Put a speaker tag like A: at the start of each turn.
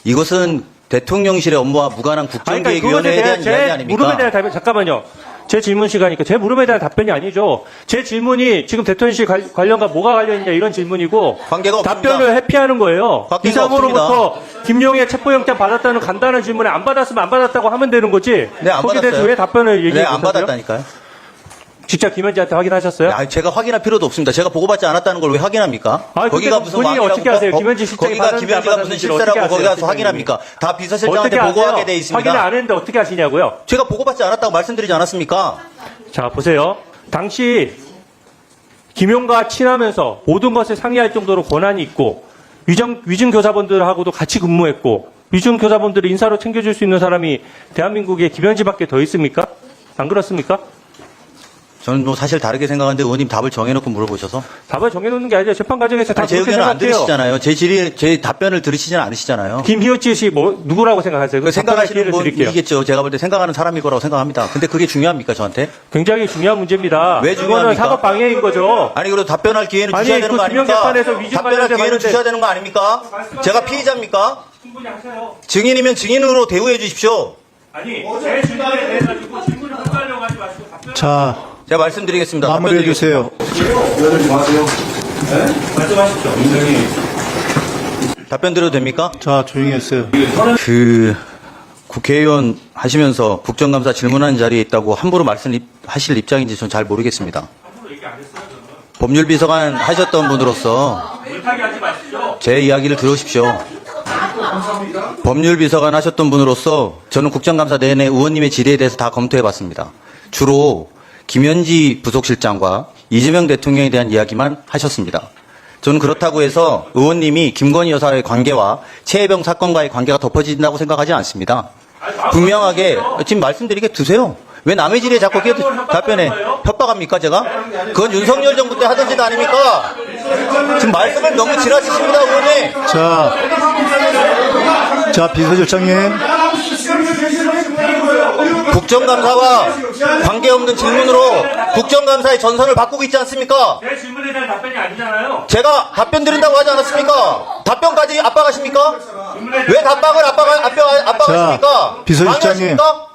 A: 이것은 대통령실의 업무와 무관한 국정기획위원회에 대한 이야기 아닙니까?
B: 물음에 대한 답변, 잠깐만요. 제 질문 시간이니까 제 물음에 대한 답변이 아니죠. 제 질문이 지금 대통령실 관련과 뭐가 관련있냐 이런 질문이고
A: 관계가 없습니다.
B: 답변을 회피하는 거예요.
A: 관계가
B: 이상으로부터 김용의 체포영장 받았다는 간단한 질문에 안 받았으면 안 받았다고 하면 되는 거지.
A: 네, 안
B: 거기에 대해서
A: 받았어요.
B: 왜 답변을 얘기해
A: 네, 안
B: 주셨어요?
A: 받았다니까요.
B: 직접 김현지한테 확인하셨어요?
A: 아니, 제가 확인할 필요도 없습니다. 제가 보고받지 않았다는 걸 왜 확인합니까?
B: 아니,
A: 거기가
B: 근데
A: 무슨
B: 본인이
A: 왕이라고
B: 어떻게 아세요? 김현지 실장이
A: 거기가
B: 받았는지 안
A: 김현지가 무슨
B: 받았는지를 어떻게
A: 실세라고 거기 가서
B: 아세요,
A: 확인합니까? 다 비서실장한테
B: 어떻게
A: 보고하게
B: 아세요?
A: 돼 있습니다.
B: 확인을 안 했는데 어떻게 아시냐고요?
A: 제가 보고받지 않았다고 말씀드리지 않았습니까?
B: 자, 보세요. 당시 김용과 친하면서 모든 것을 상의할 정도로 권한이 있고 위증 교사분들하고도 같이 근무했고 위증 교사분들을 인사로 챙겨줄 수 있는 사람이 대한민국에 김현지밖에 더 있습니까? 안 그렇습니까?
A: 저는 뭐 사실 다르게 생각하는데 의원님 답을 정해놓고 물어보셔서
B: 답을 정해놓는 게 아니라 재판 과정에서 다
A: 아니, 제
B: 그렇게
A: 의견을 안
B: 생각해요.
A: 들으시잖아요. 제 답변을 들으시지는 않으시잖아요.
B: 김희우치 씨 누구라고 생각하세요?
A: 그 생각하시는
B: 기회를 드릴게요.
A: 분이겠죠. 제가 볼 때 생각하는 사람일 거라고 생각합니다. 근데 그게 중요합니까 저한테?
B: 굉장히 중요한 문제입니다.
A: 왜
B: 이거는
A: 중요합니까?
B: 사법 방해인 거죠.
A: 아니 그래도 답변할 기회는
B: 아니,
A: 주셔야 되는
B: 그
A: 거 아닙니까?
B: 김영재판에서 위증
A: 답변할
B: 관련돼
A: 기회는
B: 봤는데-
A: 주셔야 되는 거 아닙니까? 제가 피의자입니까?
B: 충분히 하세요.
A: 증인이면 증인으로 대우해 주십시오.
B: 아니, 제 질문에 대해 가지고 질문을 헛갈려고 하지 마시고 답변.
C: 자,
A: 제가 말씀드리겠습니다.
C: 마무리해 주세요.
B: 말씀하십시오.
A: 답변 드려도 됩니까?
C: 자, 조용히 했어요.
A: 그 국회의원 하시면서 국정감사 질문하는 자리에 있다고 함부로 말씀하실 입장인지 전 잘 모르겠습니다. 법률비서관 하셨던 분으로서
B: 물타기 하지 마시죠.
A: 제 이야기를 들으십시오. 법률비서관 하셨던 분으로서 저는 국정감사 내내 의원님의 질의에 대해서 다 검토해봤습니다. 주로 김현지 부속실장과 이재명 대통령에 대한 이야기만 하셨습니다. 저는 그렇다고 해서 의원님이 김건희 여사의 관계와 최혜병 사건과의 관계가 덮어진다고 생각하지 않습니다. 분명하게 지금 말씀드리게 두세요. 왜 남의 질의에 자꾸 답변해? 협박합니까 제가? 그건 윤석열 정부 때 하던 짓 아닙니까? 지금 말씀을 너무 지나치십니다 의원님.
C: 자, 비서실장님.
A: 국정감사와 관계없는 질문으로 국정감사의 전선을 바꾸고 있지 않습니까?
B: 제 질문에 대한 답변이 아니잖아요.
A: 제가 답변 드린다고 하지 않았습니까? 답변까지 압박하십니까? 왜 답박을 압박하십니까?
C: 자, 비서실장님.
A: 방해하십니까?